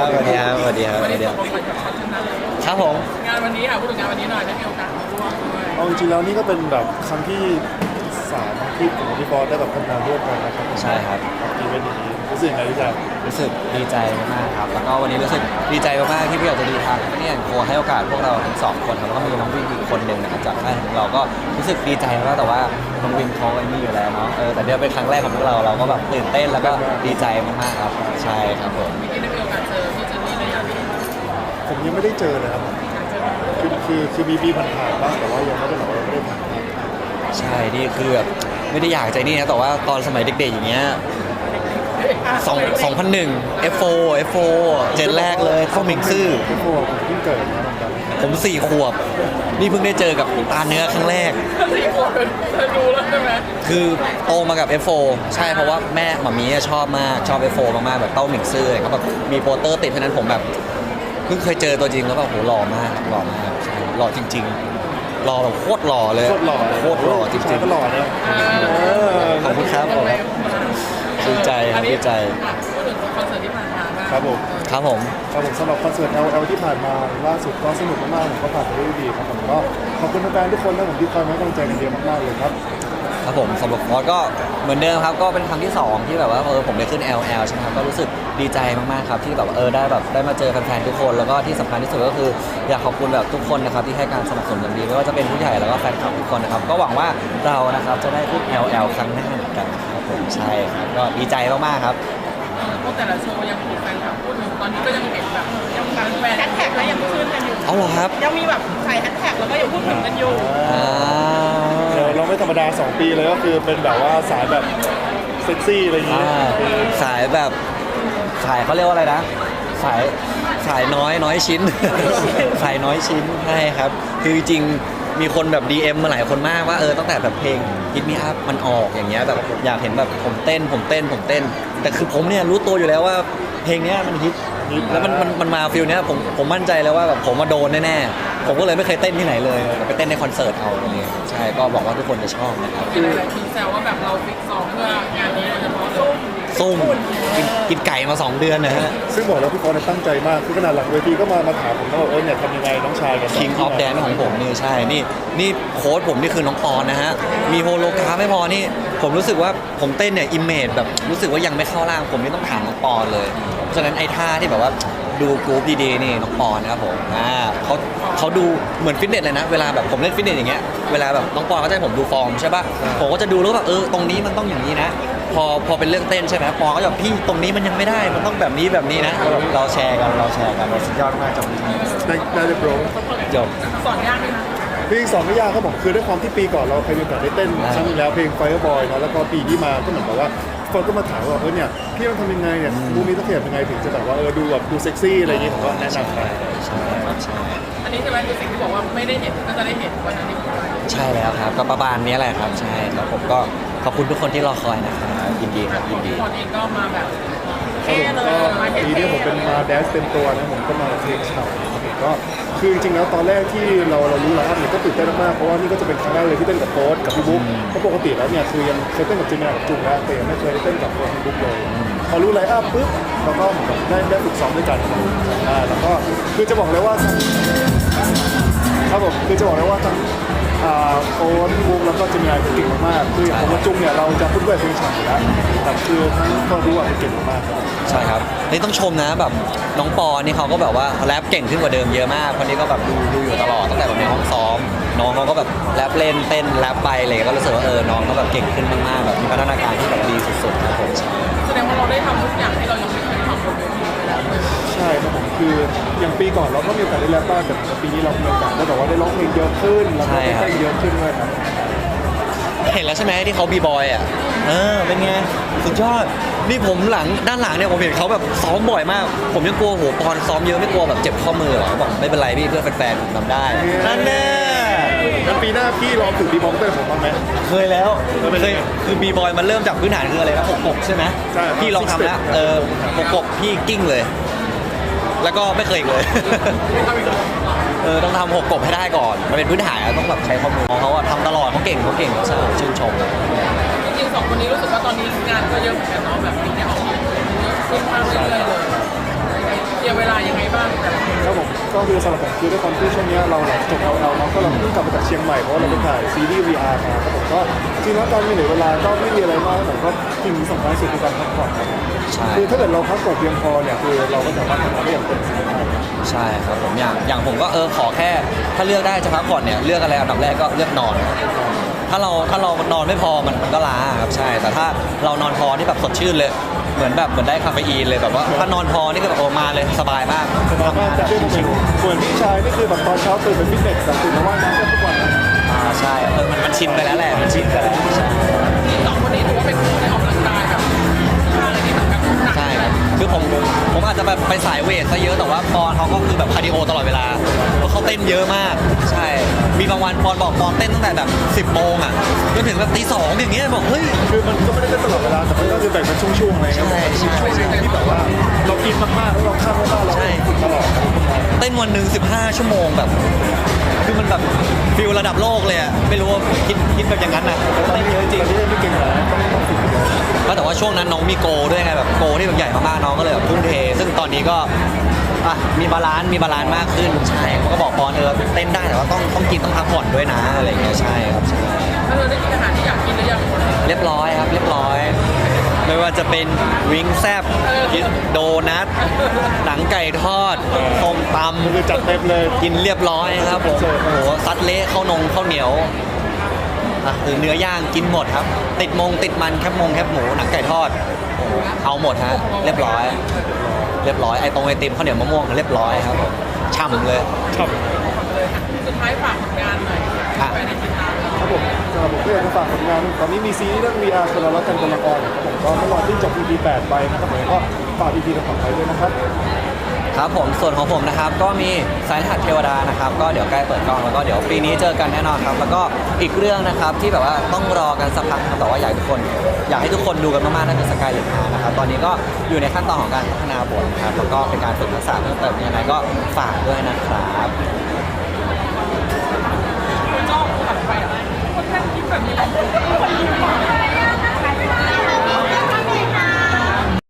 สวัสดีครับสวัสดีครับสวันวัสนี้ดีตคกรับลงกันกับชั้นนั้นเลยครับผมงานวันนี้ค่ะพูดถึงงานวันนี้หน่อยได้มีโอกาสมาร่วมด้วยเอาจริงๆแล้วนี่ก็เป็นแบบครั้งที่3ที่ผมกับพี่บอสได้แบบทำงานร่วมกันนะครับใช่ครับอีเวนต์นี้รู้สึกยังไงพี่จ๊ะรู้สึกดีใจมากครับแล้วก็วันนี้รู้สึกดีใจมากๆที่พี่อยากจะดีทางเนี่ยโคให้โอกาสพวกเราทั้งสองคนครับแล้วก็มีน้องวินอีกคนหนึ่งนะครับจากค่ายของเราก็รู้สึกดีใจมากแต่ว่าน้องวินเขาไอ้นี่อยู่แล้วเนาะแต่เดี๋ยวเป็นครั้งแรกของพวกเราก็แบบตื่นเต้นแล้วก็ดีใจมากๆครับใช่ครับผมเมื่อกี้ได้มีโอกาสเจอพี่เจนนี่ในงานนี้ผมยังไม่ได้เจอเลยครับคือมีผ่านๆบ้างแต่ว่ายังไม่ได้แบบว่าไม่ได้ผ่านใช่นี่คือแบบไม่ได้อยากใจนี่นะแต่ว่าตอนสมัยเด็กๆอย่างเงี้ย2001 F4 เจนแรกเลยเข้ามิงซื่อพี่โฟผมเพิ่งเกิดนะเหมือนกันผม4 ขวบนี่เพิ่งได้เจอกับตาเนื้อครั้งแรกสี่ขวบเธอดูแล้วใช่ไหมคือโตมากับ F4 ใช่เพราะว่าแม่หมามีชอบมากชอบ F4 มากๆแบบเต้าหมิงซื่อเขาแบบมีโปสเตอร์ติดเพราะนั้นผมแบบเพิ่งเคยเจอตัวจริงแล้วแบบโหหล่อมากหล่อมากใช่หล่อจริงๆหล่อแบบโคตรหล่อเลยโคตรหล่อโคตรหล่อจริชายงก็หล่อนะๆขอบคุณครับผมดีใจครับดีใจพูดถึงคอนเสิร์ตที่ผ่านมาบ้างครับผมครับผมครับผมสำหรับคอนเสิร์ต LL ที่ผ่านมาล่าสุดก็สนุกมากๆผมก็ผ่านไปได้ดีครับผมก็ขอบคุณแฟนๆทุกคนนะผมที่คอยให้กำลังใจกันเยอะมากๆเลยครับครับผมสำหรับฟอสก็เหมือนเดิมครับก็เป็นครั้งที่2ที่แบบว่าผมได้ขึ้น LL ใช่ไหมครับก็รู้สึกดีใจมากๆครับที่แบบได้มาเจอแฟนๆทุกคนแล้วก็ที่สำคัญที่สุดก็คืออยากขอบคุณแบบทุกคนนะครับที่ให้การสนับสนุนอย่างดีไม่ว่าจะเป็นผู้ใหญ่แล้วก็แฟนคลับทุกคนนะครับก็หวังว่าเรานะครับจะได้ขึ้น LL ครั้งหน้าเหมือนกันครับผมใช่ครับก็ดีใจมากๆครับพวกแต่ละโชว์ยังมีแฟนคลับพูดถึงตอนนี้ก็ยังเห็นแบบยังการแฟนแฮชแท็กแล้วยังขึ้นกันอยู่เอาเหรอครับยังมีแบบใส่แฮชแท็กแล้วก็ยังพูดถึงกันอยู่อ่าเราไม่ธรรมดา 2 ปีเลยก็คือเป็นแบบว่าสายแบบเซ็กซี่อะไรอย่างงี้สายแบบสายเขาเรียกว่าอะไรนะสายน้อยชิ้น สายน้อยชิ้นใช่ครับคือจริงๆมีคนแบบ DM มาหลายคนมากว่าตั้งแต่แบบเพลง Hit Me Up มันออกอย่างเงี้ยแบบอยากเห็นแบบผมเต้น แต่คือผมเนี่ยรู้ตัวอยู่แล้วว่าเพลงเนี้ยมันฮิตแล้วมันมาฟิลเนี้ยผมมั่นใจแล้วว่าแบบผมมาโดนแน่ๆผมก็เลยไม่เคยเต้นที่ไหนเลยไปเต้นในคอนเสิร์ตเอาอะไรเงี้ยใช่ก็บอกว่าทุกคนจะชอบนะครับมีหลายๆทีแซวว่าแบบเราฟิกซ้อมเพื่องานนี้โดยเฉพาะซุ่มซุ่มกินไก่มา2 เดือนนะฮะซึ่งบอกแล้วพี่ฟอสตั้งใจมากคือขนาดหลังเวทีก็มาถามผมว่าเนี่ยทำยังไงน้องชายกับ King of Dance ของผมนี่ใช่นี่โค้ชผมนี่คือน้องปอนนะฮะมีโฮโลกราฟไม่พอนี่ผมรู้สึกว่าผมเต้นเนี่ยอิมเมจแบบรู้สึกว่ายังไม่เข้าร่างผมนี่ต้องถามน้องปอนเลยเพราะฉะนั้นไอ้ท่าที่แบบว่าดูกรุ๊ปดีๆนี่น้องปอนนะครับผมเขาดูเหมือนฟิตเนสเลยนะเวลาแบบผมเล่นฟิตเนสอย่างเงี้ยเวลาแบบน้องปอนเขาจะให้ผมดูฟอร์มใช่ป่ะผมก็จะดูแล้วแบบตรงนี้มันต้องอย่างนี้นะพอเป็นเรื่องเต้นใช่ไหมปอนก็จะแบบพี่ตรงนี้มันยังไม่ได้มันต้องแบบนี้นะเราแชร์กันเราสุดยอดมากจบได้เลยโปรจบสอนยากไหมคะเพลง2ไม่ยากครับผมคือด้วยความที่ปีก่อนเราเคยมีโอกาสได้เต้นครั้งนึงแล้วเพลง Fireboy เนาะแล้วก็ปีที่มาก็เหมือนกับว่าฟอนก็มาถามว่าเนี่ยพี่ต้องทำยังไงเนี่ยมูนี้ต้องเทียบยังไงถึงจะแบบว่าดูแบบดูเซ็กซี่อะไรอย่างงี้ผมก็แนะนำไปใช่ใช่อันนี้ใช่ไหมคือสิ่งที่บอกว่าไม่ได้เห็นก็จะได้เห็นวันนั้นที่พูดไปใช่แล้วครับก็ประมาณนี้แหละครับใช่ครับผมก็ขอบคุณทุกคนที่รอคอยนะครับยินดีครับยินดีตอนเองก็มาแบบครับเท่ผมเลยก็มาปีเท่นี้ผมเป็นมาแดนซ์เต็มตัวนะผมก็มาเพลงฉ่ำครับผมก็คือจริงๆแล้วตอนแรกที่เรารู้ไลน์อัพเนี่ยก็ตื่นเต้นมากๆเพราะว่านี่ก็จะเป็นครั้งแรกเลยที่เต้นกับโค้ชกับพี่บุ๊กเพราะปกติแล้วเนี่ยคือยังเคยเต้นกับจิมมี่กับจุงแล้วแต่ยังไม่เคยได้เต้นกับโค้ชพี่บุ๊กเลยพอรู้ไลน์อัพปุ๊บเราก็เหมือนกับได้ฝึกซ้อมด้วยกันแล้วก็คือจะบอกเลยว่าครับผมคือจะบอกเลยว่าทั้งโค้ชพี่บุ๊กแล้วก็จิมมี่เก่งมากๆคืออย่างผมกับจุงเนี่ยเราจะพูดด้วยเพลงฉ่ำอยู่แล้วแต่คือทั้งก็รู้ว่าเก่งมากครับใช่ครับนี่ต้องชมนะแบบน้องปอนี่เขาก็แบบว่าแรปเก่งขึ้นกว่าเดิมเยอะมากคนนี้ก็แบบดูอยู่ตลอดตั้งแต่แบบในห้องซ้อมน้องเขาก็แบบแรปเล่นเต้นแรปไปเลยก็รู้สึกว่าน้องเขาแบบเก่งขึ้นมากๆแบบมีพัฒนาการที่แบบดีสุดๆครับผมใช่แสดงว่าเราได้ทำทุกอย่างที่เรายังไม่เคยทำบนเวทีไปแล้วใช่ครับผมคืออย่างปีก่อนเราก็มีโอกาสได้แรปบ้างแต่ปีนี้เรามีโอกาสได้แบบว่าได้ร้องเพลงเยอะขึ้นแล้วก็ได้เต้นเยอะขึ้นด้วยครับเห็นแล้วใช่ไหมที่เขาบีบอยอ่ะเป็นไงสุดยอดนี่ผมด้านหลังเนี่ยผมเห็นเขาแบบซ้อมบ่อยมาก ผมยังกลัวโหปอนซ้อมเยอะไม่กลัวแบบเจ็บข้อมือหรอบอกไม่เป็นไรพี่เพื่อแฟนๆผมทำได้นั่นแน่แล้วปีหน้าพี่ลองฝึกบีบองเตอร์ผมบ้างไหมเคยแล้วเคยคือบีบอยมันเริ่มจากพื้นฐานคืออะไรนะหกใช่ไหมใช่ครับพี่ลองทำแล้วหกพี่กิ้งเลย แล้วก็ไม่เคยอีกเลย ต้องทำหกกบให้ได้ก่อนมันเป็นพื้นฐานต้องแบบใช้ข้อมือเขาทำตลอดเขาเก่งใช่ชื่นชมจริงๆสองคนนี้รู้สึกว่าตอนนี้งานก็เยอะเหมือนกันเนาะแบบปีนี้ออกมาเยอะขึ้นมากเรื่อยๆเลยจลียร์เวลายังไงบ้างแต่ละคนครับผมก็คือสำหรับผมคือด้วยความที่ช่วงเนี้ยเราหลังจบ LL เนาะก็เราเพิ่งกลับมาจากเชียงใหม่เพราะว่าเราไปถ่ายซีรีส์ VR มาครับผมก็จริงแล้วการมีเหลือเวลาก็ไม่มีอะไรมากผมก็สิ่งสำคัญที่สุดคือการพักผ่อนครับใช่คือถ้าเกิดเราพักผ่อนเพียงพอเนี่ยคือเราก็สามารถทำงานได้อย่างเต็มที่ได้ใช่ครับผมอย่างผมก็ขอแค่ถ้าเลือกได้จะพักผ่อนเนี่ยเลือกอะไรอันดับแรกก็เลือกนอน ถ้าเรานอนไม่พอมันก็ล้าครับใช่แต่ถ้าเรานอนพอที่แบบสดชื่นเลยเหมือนได้คาเฟอีนเลยแบบว่าถ้านอนพอนี่ก็แบบโอ้มาเลยสบายมากสบายมากจากที่ผมเห็นส่วนพี่ชายนี่คือแบบตอนเช้าตื่นไปฟิตเนสตื่นมาว่ายน้ำกันทุกวันนะใช่มันชินไปแล้วแหละมันชินไปแล้วใช่ที่สองคนนี้ถือว่าเป็นคู่ที่ออกกำลังกายแบบท่าอะไรที่แบบหนักใช่ครับคือผมอาจจะแบบไปสายเวทซะเยอะแต่ว่าปอนเขาก็คือแบบคาร์ดิโอตลอดเวลาเพราะเขาเต้นเยอะมากใช่มีบางวันปอนบอกปอนเต้นตั้งแต่แบบ10 โมงอ่ะจนถึงแบบตี 2อย่างเงี้ยบอกเฮ้ยคือมันก็ไม่ได้เต้นตลอดเวลาแต่มันก็คือแบ่งเป็นช่วงๆอะไรเงี้ยใช่ช่วงหนึ่งที่แบบว่าเรากินมากๆแล้วเราข้ามมากๆเราฝึกตลอดเต้นวันหนึ่ง15 ชั่วโมงแบบคือมันแบบฟิลระดับโลกเลยอะไม่รู้ว่าคิดแบบอย่างนั้นนะเต้นเยอะจริงแต่ที่ไม่เก่งหรอกต้องฝึกเยอะก็แต่ว่าช่วงนั้นน้องมีโกด้วยไงแบบโกที่แบบใหญ่มากๆน้องก็เลยแบบทุ่มเท ซึ่งตอนนี้ก็มีบาลานซ์มากขึ้นใช่เขาก็บอกปอนเต้นได้แต่ว่าต้องกินต้องพักผ่อนด้วยนะอะไรอย่างเงี้ยใช่ครับใช่ถ้าเธอได้กินอาหารที่อยากกินหรือยังเรียบร้อยครับเรียบร้อย ไม่ว่าจะเป็นวิงแซบโดนัทหนังไก่ทอดต้มตมันคือจัดเต็มเลยำกินเรียบร้อยครับผมโอ้โหซัดเละข้าวเหนียวหรือเนื้อย่างกินหมดครับ ติดมันแคบหมูหนังไก่ทอดโอ้โหเอาหมดฮะเรียบร้อยไอติมข้าวเหนียวมะม่วงเรียบร้อยครับผมช่ำเลยครับเลยค่ะสุดท้ายฝากผลงานหน่อยไปในติดตามครับผมสำหรับผมก็อยากจะฝากผลงานตอนนี้มีซีรีส์เรื่อง VR คนเรารักกันคนละครครับผมก็เมื่อวานที่จบ EP 8 ไปนะครับผมก็ฝาก EP ต่อไปด้วยนะครับครับผมส่วนของผมนะครับก็มีสายรหัสเทวดานะครับก็เดี๋ยวใกล้เปิดกล้องแล้วก็เดี๋ยวปีนี้เจอกันแน่นอนครับแล้วก็อีกเรื่องนะครับที่แบบว่าต้องรอกันสักพักครับแต่ว่าอยากให้ทุกคนดูกันมากๆนั่นคือสกายเลนนะครับตอนนี้ก็อยู่ในขั้นตอนของการพัฒนาบทนะครับแล้วก็เป็นการฝึกทักษะเพิ่มเติมยังไงก็ฝากด้วยนะครับ